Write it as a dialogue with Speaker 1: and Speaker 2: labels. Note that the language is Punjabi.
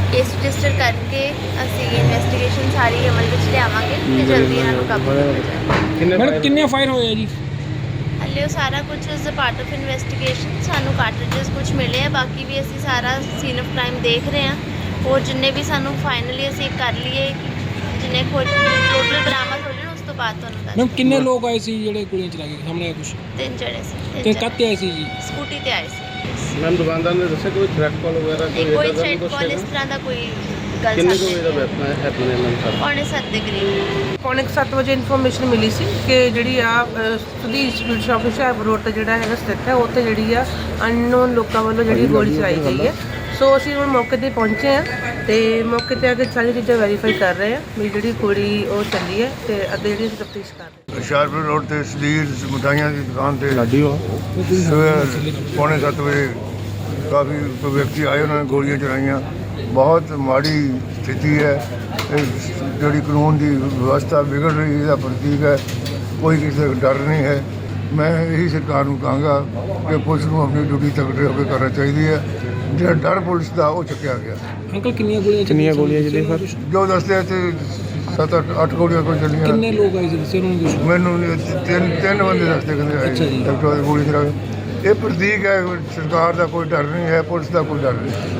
Speaker 1: ਕੇਸ ਰਜਿਸਟਰ ਕਰਕੇ ਅਸੀਂ ਇਨਵੈਸਟੀਗੇਸ਼ਨ ਸਾਰੀ ਅਮਲ ਵਿੱਚ ਲਿਆਵਾਂਗੇ ਤੇ ਜਲਦੀ ਇਹਨਾਂ ਨੂੰ ਕਾਬੂ ਕੀਤਾ ਜਾਏਗਾ।
Speaker 2: ਮੈਡਮ ਕਿੰਨੇ ਫਾਇਰ ਹੋਏ ਆ ਜੀ?
Speaker 1: ਹਲੇ ਉਹ ਸਾਰਾ ਕੁਝ is a part of investigation. ਸਾਨੂੰ ਕਾਰਟ੍ਰਿਜਸ ਕੁਝ ਮਿਲੇ ਆ, ਬਾਕੀ ਵੀ ਅਸੀਂ ਸਾਰਾ ਸੀਨ ਆਫ ਕ੍ਰਾਈਮ ਦੇਖ ਰਹੇ ਹਾਂ। ਹੋਰ ਜਿੰਨੇ ਵੀ ਸਾਨੂੰ ਫਾਈਨਲੀ ਅਸੀਂ ਕਰ ਲਈਏ, ਜਿੰਨੇ ਟੋਟਲ ਬਰਾਮਦ ਹੋ ਜਾਣ ਉਸ ਤੋਂ ਬਾਅਦ ਤੁਹਾਨੂੰ ਦੱਸ।
Speaker 2: ਮੈਮ ਕਿੰਨੇ ਲੋਕ ਆਏ ਸੀ ਜਿਹੜੇ ਗੋਲੀਆਂ ਚਲਾ ਕੇ ਸਾਹਮਣੇ ਆਇਆ ਕੁਛ?
Speaker 1: 3 ਜਣੇ ਸੀ।
Speaker 2: ਤੇ ਕੱਤੇ ਆਏ ਸੀ ਜੀ?
Speaker 1: ਸਕੂਟੀ ਤੇ ਆਏ ਸੀ।
Speaker 3: ਮੈਮ ਦੁਕਾਨਦਾਰ ਨੇ ਦੱਸਿਆ ਕੋਈ ਥ੍ਰੈਟ ਕਾਲ ਵਗੈਰਾ
Speaker 1: ਕੋਈ ਥ੍ਰੈਟ ਕਾਲ ਇਸ ਤਰ੍ਹਾਂ ਦਾ ਕੋਈ ਗੱਲ
Speaker 3: ਕਿੰਨੇ
Speaker 1: ਸਾਹਮਣੇ
Speaker 3: ਕੋਈ ਦਾ ਵੈਪਨ ਹੈ ਆਪਣੇ ਨਾਲ ਸਰ?
Speaker 1: 6:45 ਦੇ ਕਰੀਬ।
Speaker 4: ਪੌਣੇ 7 ਵਜੇ ਇਨਫੋਰਮੇਸ਼ਨ ਮਿਲੀ ਸੀ ਕਿ ਜਿਹੜੀ ਆ Sudhir institute shop Hoshiarpur road ਤੇ ਜਿਹੜਾ ਹੈਗਾ ਸਥਿਤ ਹੈ, ਉੱਥੇ ਜਿਹੜੀ ਆ ਅਨਨੋਨ ਲੋਕਾਂ ਵੱਲੋਂ ਜਿਹੜੀ ਗੋਲੀ ਚਲਾਈ ਗਈ ਹੈ। ਸੋ ਅਸੀਂ ਹੁਣ ਮੌਕੇ ਤੇ ਪਹੁੰਚੇ ਹਾਂ ਤੇ ਮੌਕੇ ਤੇ ਆ ਕੇ ਸਾਰੀ ਚੀਜ਼ਾਂ ਵੈਰੀਫਾਈ ਕਰ ਰਹੇ ਹਾਂ ਵੀ ਜਿਹੜੀ ਗੋਲੀ ਉਹ ਚੱਲੀ ਹੈ ਤੇ ਅੱਗੇ ਜਿਹੜੀ ਤਫਤੀਸ਼ ਕਰ ਰਹੇ ਹਾਂ।
Speaker 5: ਹੁਸ਼ਿਆਰਪੁਰ ਰੋਡ ਤੇ ਸੁਧੀਰ ਮਿਠਾਈਆਂ ਦੀ ਦੁਕਾਨ ਤੇ ਸਵੇਰ 6:45 ਵਜੇ ਕਾਫੀ ਵਿਅਕਤੀ ਆਏ, ਉਹਨਾਂ ਨੇ ਗੋਲੀਆਂ ਚਲਾਈਆਂ। ਬਹੁਤ ਮਾੜੀ ਸਥਿਤੀ ਹੈ। ਇਹ ਜਿਹੜੀ ਕਾਨੂੰਨ ਦੀ ਵਿਵਸਥਾ ਵਿਗੜ ਰਹੀ ਹੈ, ਇਹਦਾ ਪ੍ਰਤੀਕ ਹੈ। ਕੋਈ ਕਿਸੇ ਦਾ ਡਰ ਨਹੀਂ ਹੈ। ਮੈਂ ਇਹੀ ਸਰਕਾਰ ਨੂੰ ਕਹਾਂਗਾ ਕਿ ਪੁਲਿਸ ਨੂੰ ਆਪਣੀ ਡਿਊਟੀ ਤਕੜੇ ਹੋ ਕੇ ਕਰਨਾ ਚਾਹੀਦੀ ਹੈ। ਜਿਹੜਾ ਡਰ ਪੁਲਿਸ ਦਾ ਉਹ ਚੁੱਕਿਆ ਗਿਆ।
Speaker 2: ਅੰਕਲ ਕਿੰਨੀਆਂ ਗੋਲੀਆਂ ਚੱਲੀਆਂ ਸਰ?
Speaker 5: ਜੋ ਦੱਸਦੇ ਤੇ 7-8 ਗੋਲੀਆਂ ਕੋਈ ਚੱਲੀਆਂ।
Speaker 2: ਕਿੰਨੇ ਲੋਕ ਆਏ ਸੀ ਦੱਸਿਆ ਉਹਨਾਂ ਨੇ ਕੁਛ?
Speaker 5: ਮੈਨੂੰ ਤਿੰਨ ਬੰਦੇ ਦੱਸਦੇ ਕਹਿੰਦੇ
Speaker 2: ਅੱਛਾ ਜੀ।
Speaker 5: ਡਾਕਟਰ ਦੀ ਗੋਲੀ ਚਲਾ ਕੇ। ਇਹ ਪ੍ਰਤੀਕ ਹੈ ਸਰਕਾਰ ਦਾ ਕੋਈ ਡਰ ਨਹੀਂ ਹੈ, ਪੁਲਿਸ ਦਾ ਕੋਈ ਡਰ ਨਹੀਂ।